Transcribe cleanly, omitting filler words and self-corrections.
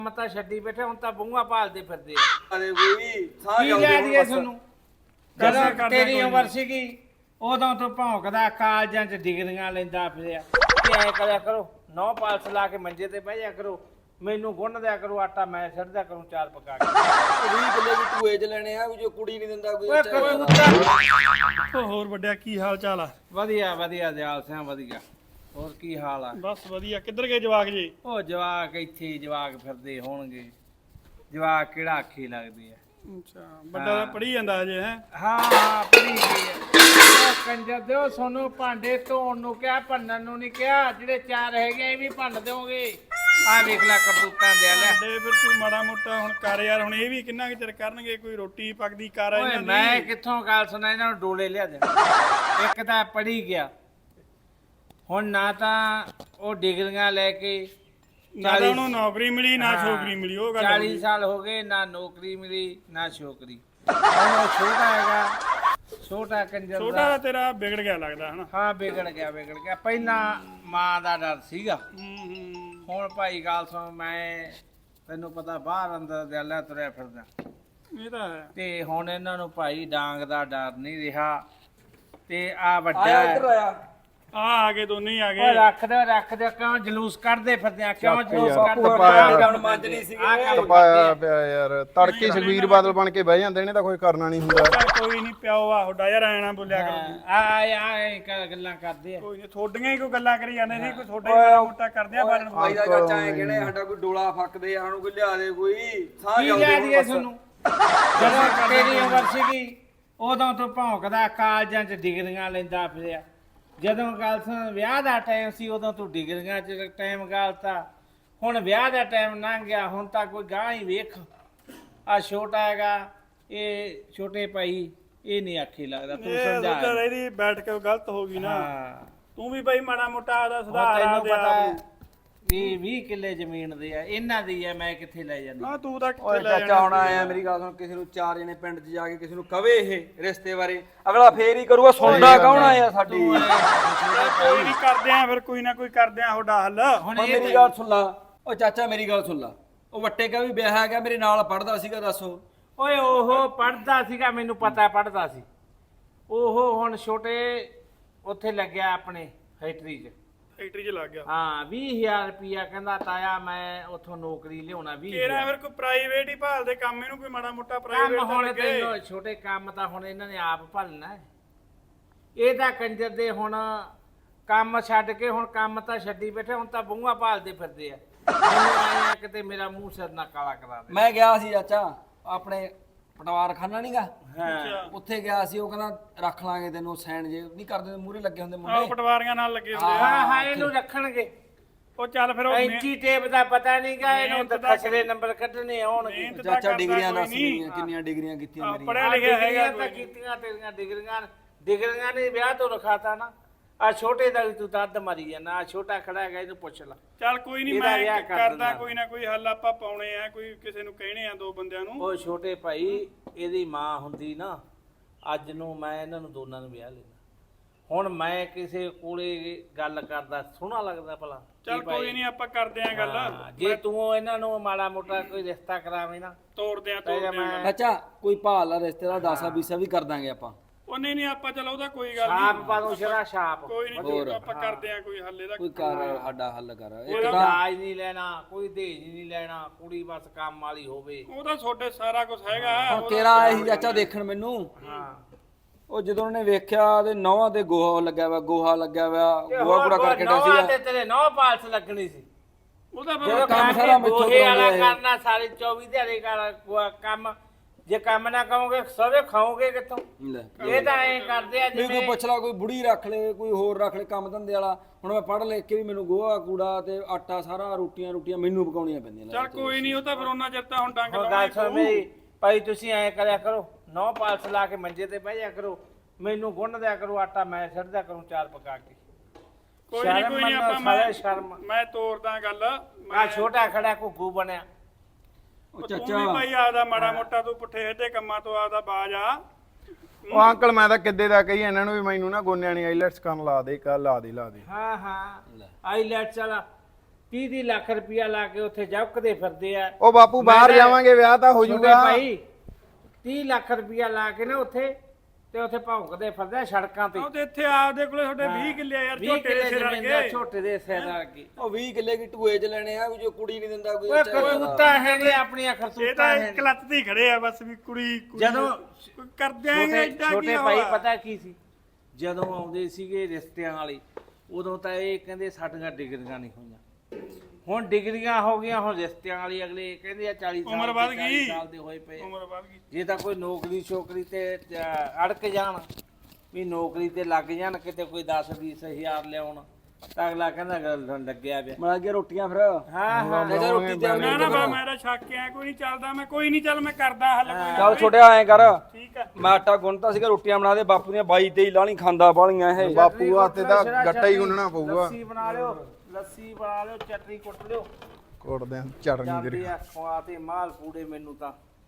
ਮਤਾ ਛੱਡੀ ਬੈਠੇ ਹੁਣ ਤਾਂ ਬੂੰਗਾ ਭਾਲਦੇ ਫਿਰਦੇ ਅਰੇ ਕੋਈ ਸਾਹ ਕੀ ਲਿਆ ਦੀਏ ਤੁਹਾਨੂੰ ਜਦੋਂ ਤੇਰੀ ਉਮਰ ਸੀਗੀ ਉਦੋਂ ਤੋਂ ਭੌਂਕਦਾ ਕਾਲਜਾਂ 'ਚ ਡਿਗਰੀਆਂ ਲੈਂਦਾ ਫਿਰਿਆ ਤੇ ਐ ਕਰਿਆ ਕਰੋ 9 ਪਾਲਸ ਲਾ ਕੇ ਮੰਜੇ ਤੇ ਬਹਿ ਜਾ ਕਰੋ ਮੈਨੂੰ ਗੁੰਨ ਦਿਆ ਕਰੋ ਆਟਾ ਮੈਂ ਛੱਡਦਾ ਕਰੂੰ 4 ਪਕਾ ਕੇ 20 ਕਿੱਲੇ ਵੀ ਟੂਏ ਚ ਲੈਣੇ ਆ ਜੋ ਕੁੜੀ ਨਹੀਂ ਦਿੰਦਾ ਕੋਈ ਓਏ ਕਬੂਤਰ ਹੋਰ ਵੱਡਿਆ ਕੀ ਹਾਲ ਚਾਲ ਆ? ਵਧੀਆ ਵਧੀਆ ਦਿਆਲ ਸਿੰਘ ਵਧੀਆ ਹੋਰ ਕੀ ਹਾਲ ਆ? ਬਸ ਵਧੀਆ। ਕਿੱਧਰ ਗਏ ਜਵਾਕ ਜੀ? ਉਹ ਜਵਾਕ ਇੱਥੇ ਜਵਾਕ ਫਿਰਦੇ ਹੋਣਗੇ ਜਵਾਕ ਕਿਹੜਾ ਆਖੀ ਲੱਗਦੀ ਆ। ਅੱਛਾ ਵੱਡਾ ਤਾਂ ਪੜ੍ਹੀ ਜਾਂਦਾ ਹਜੇ ਹੈ? ਹਾਂ ਹਾਂ ਪੜੀ ਗਈ ਹੈ ਕੰਜਰ ਦਿਓ ਸੋਨੂੰ ਭਾਂਡੇ ਧੋਣ ਨੂੰ ਕਿਹਾ ਭੰਨਣ ਨੂੰ ਨਹੀਂ ਕਿਹਾ ਜਿਹੜੇ 4 ਹੈਗੇ ਇਹ ਵੀ ਭੰਨ ਦਿਓਗੇ ਆ ਵੇਖ ਲੈ ਕਰਤੂਤਾਂ ਦੇ ਲੈ ਤੇ ਫਿਰ ਤੂੰ ਮਾੜਾ ਮੋਟਾ ਹੁਣ ਕਰ ਯਾਰ। ਹੁਣ ਇਹ ਵੀ ਕਿੰਨਾ ਕੁ ਚਿਰ ਕਰਨਗੇ? ਕੋਈ ਰੋਟੀ ਪੱਕਦੀ ਕਰ ਓਏ ਇਹਨਾਂ ਦੀ। ਮੈਂ ਕਿੱਥੋਂ ਗੱਲ ਸੁਣਾ ਇਹਨਾਂ ਨੂੰ ਡੋਲੇ ਲਿਆ ਦੇ ਇੱਕ ਤਾਂ ਪੜੀ ਗਿਆ ਹੁਣ ਨਾ ਤਾਂ ਉਹ ਡਿਗਰੀਆਂ ਲੈ ਕੇ ਨਾ ਤਾਂ ਉਹਨੂੰ ਨੌਕਰੀ ਮਿਲੀ ਨਾ ਛੋਕਰੀ ਮਿਲੀ। ਉਹ ਗੱਲ 40 ਸਾਲ ਹੋ ਗਏ ਨਾ ਨੌਕਰੀ ਮਿਲੀ ਨਾ ਛੋਕਰੀ ਹੁਣ ਉਹ ਛੋਟਾ ਹੈਗਾ ਛੋਟਾ ਕੰਜਰ ਛੋਟਾ ਤਾਂ ਤੇਰਾ ਵਿਗੜ ਗਿਆ ਲੱਗਦਾ ਹਨਾ? ਹਾਂ ਵਿਗੜ ਗਿਆ ਪਹਿਲਾਂ ਮਾਂ ਦਾ ਡਰ ਸੀਗਾ ਹੁਣ ਭਾਈ ਗੱਲ ਸੁਣ ਮੈਂ ਤੈਨੂੰ ਪਤਾ ਬਾਹਰ ਅੰਦਰ ਦਿਆਲਾ ਤੁਰਿਆ ਫਿਰਦਾ ਇਹ ਤਾਂ ਹੈ। ਤੇ ਹੁਣ ਇਹਨਾਂ ਨੂੰ ਭਾਈ ਡਾਂਗ ਦਾ ਡਰ ਨਹੀਂ ਰਿਹਾ ਤੇ ਆ ਵੱਡਾ ਆਇਆ ਇੱਧਰ ਆਇਆ ਆ ਗਏ ਦੋਨੇ ਹੀ ਆ ਓਏ ਗਏ। ਰੱਖ ਦੇ ਕਿਉਂ ਜਲੂਸ ਕੱਢਦੇ ਫਿਰਦੇ ਆ ਕਿਉਂ ਜਲੂਸ ਬਾਪੂ ਕੱਢਦੇ ਹੁਣ ਮੰਜ ਨਹੀਂ ਸੀਗੇ ਪਾਇਆ ਪਿਆ ਯਾਰ ਤੜਕੇ ਸੁਖਬੀਰ ਬਾਦਲ ਬਣ ਕੇ ਬਹਿ ਜਾਂਦੇ ਨੇ ਤਾਂ ਕੋਈ ਕਰਨਾ ਨਹੀਂ ਹੁੰਦਾ। ਚੱਲ ਕੋਈ ਨਹੀਂ ਪਿਓ ਆ ਤੁਹਾਡਾ ਯਾਰ ਐ ਨਾ ਬੋਲਿਆ ਕਰੋ। ਆ ਗੱਲਾਂ ਕਰਦੇ ਆ ਕੋਈ ਨਹੀਂ ਥੋਡੀਆਂ ਹੀ ਕੋਈ ਗੱਲਾਂ ਕਰੀ ਜਾਂਦੇ ਸੀ ਕੋਈ ਥੋੜਾ ਹੀ ਮਾੜਾ ਮੋਟਾ ਕਰਦੇ ਆ ਬਾਲਣ ਭਾਈ ਦਾ ਚਾਚਾ ਐ ਕਿਹੜੇ ਸਾਡਾ ਕੋਈ ਡੋਲਾ ਫੱਕਦੇ ਆ ਸਾਨੂੰ ਕੋਈ ਲਿਆ ਦੇ ਕੋਈ ਸਾਹ ਕੀ ਲਿਆ ਦੀਏ ਤੁਹਾਨੂੰ ਜਦੋਂ ਤੇਰੀ ਉਮਰ ਸੀਗੀ ਉਦੋਂ ਤੋਂ ਭੌਂਕਦਾ ਕਾਲਜਾਂ 'ਚ ਡਿਗਰੀਆਂ ਲੈਂਦਾ ਫਿਰਿਆ ਜਦੋਂ ਗੱਲ ਸੁਣ ਵਿਆਹ ਦਾ ਟਾਈਮ ਸੀ ਉਦੋਂ ਤੂੰ ਡਿਗਰੀਆਂ 'ਚ ਟਾਈਮ ਗਾਲਤਾ ਹੁਣ ਵਿਆਹ ਦਾ ਟਾਈਮ ਲੰਘ ਗਿਆ ਹੁਣ ਤਾਂ ਕੋਈ ਗਾਂ ਹੀ ਵੇਖ ਆ ਛੋਟਾ ਹੈਗਾ ਇਹ ਛੋਟੇ ਭਾਈ ਇਹ ਨਹੀਂ ਆਖੀ ਲੱਗਦਾ ਤੂੰ ਸਮਝਾ ਇਹਦੀ ਬੈਠ ਕੇ ਗਲਤ ਹੋ ਗਈ ਨਾ। ਹਾਂ ਤੂੰ ਵੀ ਬਈ ਮਾੜਾ ਮੋਟਾ ਆਦਾ ਹੁਣ ਸੁਧਾਰ ਆ ਤੈਨੂੰ ਦੇ ਪਤਾ ਆਪ ਹੈ ਨੂੰ। ਵੀ 20 ਕਿੱਲੇ ਜ਼ਮੀਨ ਦੇ ਆ ਇਹਨਾਂ ਦੀ ਆ ਮੈਂ ਕਿੱਥੇ ਲੈ ਜਾਂਦੀ ਨਾ ਤੂੰ ਤਾਂ ਓਏ ਕਿੱਥੇ ਲੈ ਚਾਚਾ ਹੁਣ ਆਇਆ ਮੇਰੀ ਗੱਲ ਸੁਣ ਕਿਸੇ ਨੂੰ 4 ਜਣੇ ਪਿੰਡ 'ਚ ਜਾ ਕੇ ਕਿਸੇ ਨੂੰ ਕਵੇ ਇਹ ਰਿਸ਼ਤੇ ਬਾਰੇ ਅਗਲਾ ਫੇਰ ਹੀ ਕਰੂਗਾ ਸੁਣਦਾ ਕੌਣ ਆਇਆ ਸਾਡੀ ਕੋਈ ਨਹੀਂ ਕਰਦੇ ਆ ਫਿਰ ਕੋਈ ਨਾ ਕੋਈ ਕਰਦੇ ਆ ਤੁਹਾਡਾ ਹੱਲ। ਹੁਣ ਹੁਣ ਇਹ ਮੇਰੀ ਗੱਲ ਸੁਣ ਲਾ ਓ ਚਾਚਾ ਮੇਰੀ ਗੱਲ ਸੁਣ ਲਾ ਉਹ ਵੱਟੇ ਕਾ ਵੀ ਵਿਆਹ ਹੈਗਾ ਮੇਰੇ ਨਾਲ ਪੜਦਾ ਸੀਗਾ ਦੱਸੋ ਓਏ ਉਹ ਪੜਦਾ ਸੀਗਾ ਮੈਨੂੰ ਪਤਾ ਪੜਦਾ ਸੀ ਉਹ ਹੁਣ ਛੋਟੇ ਉੱਥੇ ਲੱਗਿਆ ਆਪਣੇ ਫੈਕਟਰੀ 'ਚ ਫੈਕਟਰੀ 'ਚ ਲੱਗ ਗਿਆ। ਹਾਂ 20000 ਰੁਪਿਆ ਕਹਿੰਦਾ ਤਾਇਆ ਮੈਂ ਉੱਥੋਂ ਨੌਕਰੀ ਲਿਆਉਣਾ 20 ਕਿਹੜਾ ਫਿਰ ਕੋਈ ਪ੍ਰਾਈਵੇਟ ਹੀ ਭਾਲਦੇ ਕੰਮ ਇਹਨੂੰ ਕੋਈ ਮਾੜਾ ਮੋਟਾ ਕੰਮ ਪ੍ਰਾਈਵੇਟ ਹੁਣ ਲੱਗੇ। ਤੈਨੂੰ ਛੋਟੇ ਕੰਮ ਤਾਂ ਹੁਣ ਇਹਨਾਂ ਨੇ ਆਪ ਭਲਣਾ ਹੈ। ਇਹ ਤਾਂ ਕੰਜਰ ਦੇ ਹੁਣ ਕੰਮ ਛੱਡ ਕੇ ਹੁਣ ਕੰਮ ਤਾਂ ਛੱਡੀ ਬੈਠੇ ਹੁਣ ਤਾਂ ਬੂੰਗਾ ਭਾਲਦੇ ਫਿਰਦੇ ਆ ਮੈਨੂੰ ਆਏ ਆ ਕਿਤੇ ਮੇਰਾ ਮੂੰਹ ਸਿਰ ਨਾ ਕਾਲਾ ਕਰਾ ਦੇ ਮੈਂ ਗਿਆ ਸੀ ਚਾਚਾ ਆਪਣੇ ਪਟਵਾਰਖਾਨਾ ਨਹੀਂਗਾ ਹਾਂ ਉੱਥੇ ਗਿਆ ਸੀ ਉਹ ਕਹਿੰਦਾ ਰੱਖ ਲਾਂਗੇ ਤੈਨੂੰ ਸਾਈਨ ਜੇ ਨਹੀਂ ਕਰਦੇ ਮੂਹਰੇ ਲੱਗੇ ਹੁੰਦੇ ਆਹ ਮੁੰਡੇ ਪਟਵਾਰੀਆਂ ਨਾਲ ਲੱਗੇ ਹੁੰਦੇ ਆ। ਹਾਂ ਹਾਂ ਇਹਨੂੰ ਰੱਖਣਗੇ ਉਹ ਚੱਲ ਫਿਰ ਉਹ ਐਂਟੀ ਟੇਪ ਦਾ ਪਤਾ ਨਹੀਂਗਾ ਇਹਨੂੰ ਤਾਂ ਮਿਹਨਤ ਦਾ ਖਸਰੇ ਨੰਬਰ ਕੱਢਣੇ ਆਉਣਗੇ ਮਿਹਨਤ ਤਾਂ ਚਾਚਾ ਕਰਦਾ ਡਿਗਰੀਆਂ ਕੋਈ ਦੱਸ ਨਹੀਂ। ਮੇਰੀਆਂ ਕਿੰਨੀਆਂ ਡਿਗਰੀਆਂ ਕੀਤੀਆਂ ਮੇਰੀਆਂ ਪੜਿਆ ਲਿਖਿਆ ਹੈਗਾ ਤਾਂ ਕੀਤੀਆਂ ਤੇਰੀਆਂ ਡਿਗਰੀਆਂ ਨੇ ਵਿਆਹ ਤੋਂ ਰਖਾਤਾ ਨਾ ਆ ਛੋਟੇ ਦਾ ਵੀ ਤੂੰ ਦੱਦ ਮਾਰੀ ਜਾਂਦਾ ਆ ਛੋਟਾ ਖੜਾ ਹੈਗਾ ਇਹਨੂੰ ਪੁੱਛ ਲੈ ਚੱਲ ਕੋਈ ਨਹੀਂ ਇਹਦਾ ਵਿਆਹ ਮੈਂ ਕਰ ਕਰਦਾ ਦਿੰਦਾ। ਕੋਈ ਨਾ ਕੋਈ ਹੱਲ ਆਪਾਂ ਪਾਉਣੇ ਆ ਕੋਈ ਕਿਸੇ ਨੂੰ ਕਹਿਣੇ ਆ ਦੋ ਬੰਦਿਆਂ ਨੂੰ। ਉਹ ਛੋਟੇ ਭਾਈ ਇਹਦੀ ਮਾਂ ਹੁੰਦੀ ਨਾ ਅੱਜ ਨੂੰ ਮੈਂ ਇਹਨਾਂ ਨੂੰ ਦੋਨਾਂ ਨੂੰ ਵਿਆਹ ਲੈਣਾ ਹੁਣ ਮੈਂ ਕਿਸੇ ਕੋਲੇ ਗੱਲ ਕਰਦਾ ਸੋਹਣਾ ਲੱਗਦਾ ਭਲਾ ਚੱਲ ਕੋਈ ਨਹੀਂ ਆਪਾਂ ਕਰਦੇ ਆ ਗੱਲ। ਹਾਂ, ਜੇ ਤੂੰ ਇਹਨਾਂ ਨੂੰ ਮਾੜਾ ਮੋਟਾ ਕੋਈ ਰਿਸ਼ਤਾ ਕਰਾਵੇਂ ਨਾ ਤੋੜਦੇ ਆ ਤਾਂ ਤੋੜਦੇ ਆ। ਮੈਂ ਚਾਚਾ ਕੋਈ ਭਾਲ ਆ ਰਿਸ਼ਤੇਦਾਰ ਦਾਸਾ ਬੀਸਾ ਵੀ ਕਰ ਦਾਂਗੇ ਆਪਾਂ ਉਹ ਨਹੀਂ ਆਪਾਂ ਚਲ ਉਹਦਾ ਕੋਈ ਗੱਲ ਛਾਪ ਨਹੀਂ ਪਾ ਦੂੰ ਸ਼ਰਾ ਛਾਪ ਕੋਈ ਨਹੀਂ ਆਪਾਂ ਕਰਦੇ ਆ ਕੋਈ ਹੱਲ ਇਹਦਾ। ਕੋਈ ਕਰ ਸਾਡਾ ਹੱਲ ਕਰ ਕੋਈ ਇੱਕ ਤਾਂ ਦਾਜ ਨਹੀਂ ਲੈਣਾ ਕੋਈ ਦਹੇਜ ਨਹੀਂ ਲੈਣਾ ਕੁੜੀ ਬਸ ਕੰਮ ਵਾਲੀ ਹੋਵੇ ਉਹਦਾ ਤੁਹਾਡੇ ਸਾਰਾ ਕੁਝ ਹੈਗਾ। ਹੁਣ ਤੇਰਾ ਆਇਆ ਸੀ ਚਾਚਾ ਦੇਖਣ ਮੈਨੂੰ ਹਾਂ ਉਹ ਜਦੋਂ ਉਹਨੇ ਵੇਖਿਆ ਤੇ ਨੌਵਾਂ ਤੇ ਗੋਹਾ ਲੱਗਿਆ ਵਾ ਗੋਹਾ ਕੂੜਾ ਕਰਕੇ ਡਾ ਨੌਂ ਸੀ ਤੇ ਤੇਰੇ 9 ਪਾਲਸ ਲੱਗਣੀ ਸੀ ਉਹਦਾ ਜਦੋਂ ਫਿਰ ਕੰਮ ਕੰਮ ਸਾਰਾ ਸਾਰਾ ਮੈਥੋਂ ਗੋਹੇ ਵਾਲਾ ਕਰਾਉਂਦੇ ਆ। ਕਰਨਾ ਸਾਰੇ 24 ਦਿਹਾੜੇ ਕੰਮ ਜੇ ਕੰਮ ਨਾ ਕਰੋਗੇ ਸਵੇ ਖਾਓਗੇ ਕਿੱਥੋਂ ਲੈ ਇਹ ਤਾਂ ਐਂ ਕਰਦੇ ਆ ਵੀ ਕੋਈ ਜਿਵੇਂ ਪੁੱਛ ਲਾ ਕੋਈ ਬੁੜੀ ਰੱਖ ਲੈ ਕੋਈ ਹੋਰ ਰੱਖ ਲੈ ਕੰਮ ਧੰਦੇ ਵਾਲਾ ਹੁਣ ਮੈਂ ਪੜ੍ਹ ਲਿਖ ਕੇ ਵੀ ਮੈਨੂੰ ਗੋਹਾ ਕੂੜਾ ਤੇ ਆਟਾ ਸਾਰਾ ਰੋਟੀਆਂ ਮੈਨੂੰ ਪਕਾਉਣੀਆਂ ਪੈਂਦੀਆਂ ਚੱਲ ਕੋਈ ਨਹੀਂ ਉਹ ਤਾਂ ਫਿਰ ਉਹਨਾਂ ਚਿਰ ਤਾਂ ਹੁਣ ਡੰਗ ਹੁਣ ਲਾਉਣਾ ਗੱਲ ਹੀ ਸੁਣ ਪਊ। ਮੇਰੀ ਭਾਈ ਤੁਸੀਂ ਐਂ ਕਰਿਆ ਕਰੋ 9 ਪਾਲਸ ਲਾ ਕੇ ਮੰਜੇ ਤੇ ਬਹਿ ਜਾ ਕਰੋ ਮੈਨੂੰ ਗੁੰਨ ਦਿਆ ਕਰੋ ਆਟਾ ਮੈਂ ਛੱਡਦਾ ਕਰੂੰ 4 ਪਕਾ ਕੇ ਕੋਈ ਨਹੀਂ ਸ਼ਰਮ ਕੋਈ ਨਹੀਂ ਮੰਨੋ, ਆਪਾਂ ਸਾਰੇ ਸ਼ਰਮ ਮੈਂ ਤੋੜਦਾ ਗੱਲ। ਆ ਛੋਟਾ ਖੜਾ ਘੁੱਗੂ ਬਣਿਆ ਉਹ ਤੂੰ ਵੀ ਚਾਚਾ ਭਾਈ ਆਦਾ ਮਾੜਾ ਮੋਟਾ ਤੂੰ ਪੁੱਠੇ ਸਿੱਧੇ ਕੰਮਾਂ ਤੋਂ ਆਦਾ ਬਾਜ ਆ। ਉਹ ਅੰਕਲ ਮੈਂ ਤਾਂ ਕਿੱਦੇ ਦਾ ਕਹੀ ਇਹਨਾਂ ਨੂੰ ਵੀ ਮੈਨੂੰ ਨਾ ਗੋਨਿਆਂ ਨਹੀਂ ਆਈਲੈਟਸ ਕਰਨ ਲਾ ਦੇ ਕੱਲ ਲਾ ਦੇ ਹਾਂ ਹਾਂ ਆਈ ਲੈਟ ਚਲਾ 30 ਲੱਖ ਰੁਪਇਆ ਲਾ ਕੇ ਉੱਥੇ ਜਬਕਦੇ ਫਿਰਦੇ ਆ। ਉਹ ਬਾਪੂ ਬਾਹਰ ਮੈਂ ਜਾਵਾਂਗੇ ਵਿਆਹ ਤਾਂ ਹੋ ਛੋਟੇ ਜਾਊਗਾ। ਭਾਈ 30 ਲੱਖ ਰੁਪਇਆ ਲਾ ਕੇ ਨਾ ਉੱਥੇ ਤੇ ਉੱਥੇ ਭੌਂਕਦੇ ਫਿਰਦੇ ਆ ਸੜਕਾਂ ਤੇ। ਉਹ ਤੇ ਇੱਥੇ ਆਪਦੇ ਕੋਲੇ ਤੁਹਾਡੇ 20 ਕਿੱਲੇ ਆ ਯਾਰ 20 ਝੋਟੇ ਦੇ ਕਿੱਲੇ ਸਿਰ ਜ਼ਮੀਨ ਦਾ ਵਰਗੇ। ਝੋਟੇ ਦੇ ਸਿਰ ਵਰਗੇ। ਉਹ 20 ਕਿੱਲੇ ਕੀ ਟੂਏ 'ਚ ਲੈਣੇ ਆ ਵੀ ਜੋ ਕੁੜੀ ਨਹੀਂ ਦਿੰਦਾ ਕੋਈ ਓਏ ਅੱਛਾ ਜਿਹਾ। ਕਰਤੂਤਾਂ ਹੈਗੇ ਆਪਣੀਆਂ ਇਹ ਕਰਤੂਤਾਂ ਤਾਂ ਹੈ ਇੱਕ ਲੱਤ ਤੇ ਹੀ ਖੜੇ ਆ ਬਸ ਵੀ ਕੁੜੀ ਜਦੋਂ ਕਰ ਦਿਆਂਗੇ ਛੋਟੇ ਏਦਾਂ ਕੀ ਛੋਟੇ ਭਾਈ ਹੋਇਆ? ਪਤਾ ਕੀ ਸੀ, ਜਦੋਂ ਆਉਂਦੇ ਸੀਗੇ ਰਿਸ਼ਤਿਆਂ ਵਾਲੇ ਉਦੋਂ ਤਾਂ ਇਹ ਕਹਿੰਦੇ ਸਾਡੀਆਂ ਡਿਗਰੀਆਂ ਨਹੀਂ ਹੋਈਆਂ। ਹੁਣ ਡਿਗਰੀਆਂ ਹੋ ਗਈਆਂ, ਹੁਣ ਰਿਸ਼ਤਿਆਂ ਵਾਲੀ ਅਗਲੇ ਕਹਿੰਦੇ ਆ 40 ਸਾਲ ਉਮਰ ਵੱਧ ਦੇ, ਗਈ। 40 ਸਾਲ ਦੇ ਹੋਏ ਪਏ। ਉਮਰ ਵੱਧ ਗਈ। ਜੇ ਤਾਂ ਕੋਈ ਨੌਕਰੀ ਛੋਕਰੀ ਤੇ ਅੜਕ ਜਾਣ ਵੀ ਨੌਕਰੀ ਤੇ ਲੱਗ ਜਾਣ, ਕਿਤੇ ਕੋਈ 10-20 ਹਜ਼ਾਰ ਲਿਆਉਣ, ਤਾਂ ਅਗਲਾ ਕਹਿੰਦਾ ਗੱਲ ਲੱਗਿਆ ਪਿਆ। ਬਣਾ ਕੇ ਰੋਟੀਆਂ ਫਿਰ ਹਾਂ ਲੈ ਜਾ ਰੋਟੀ ਤੇ ਨਾ ਨਾ ਬਾ ਮੇਰਾ ਸ਼ੱਕ ਆ ਕੋਈ ਨਹੀਂ ਚੱਲਦਾ, ਮੈਂ ਕੋਈ ਨਹੀਂ, ਚੱਲ ਮੈਂ ਕਰਦਾ ਹੱਲ ਕੋਈ ਨਾ। ਚੱਲ ਛੋਟਿਆ ਐਂ ਕਰ ਠੀਕ ਆ। ਮੈਂ ਆਟਾ ਗੁੰਨਤਾ ਸੀਗਾ, ਰੋਟੀਆਂ ਬਣਾ ਦੇ। ਬਾਪੂ ਦੀਆਂ 22-23 ਲਾਣੀ ਖਾਂਦਾ ਬਾਲੀਆਂ ਇਹ। ਬਾਪੂ ਹੱਥੇ ਤਾਂ ਗੱਟਾ ਹੀ ਗੁੰਨਣਾ ਪਊਗਾ। ਲੱਸੀ ਬਣਾ ਲਿਓ, ਲੱਸੀ ਬਣਾ ਲਿਓ, ਚਟਨੀ ਕੁੱਟ ਲਿਓ। ਕੋਟਦੇ ਆ ਚਟਨੀ ਜਾਂਦੇ ਤੇਰੀ। ਆ ਖਵਾ ਤੇ ਮਾਲ ਪੂੜੇ ਮੈਨੂੰ ਤਾਂ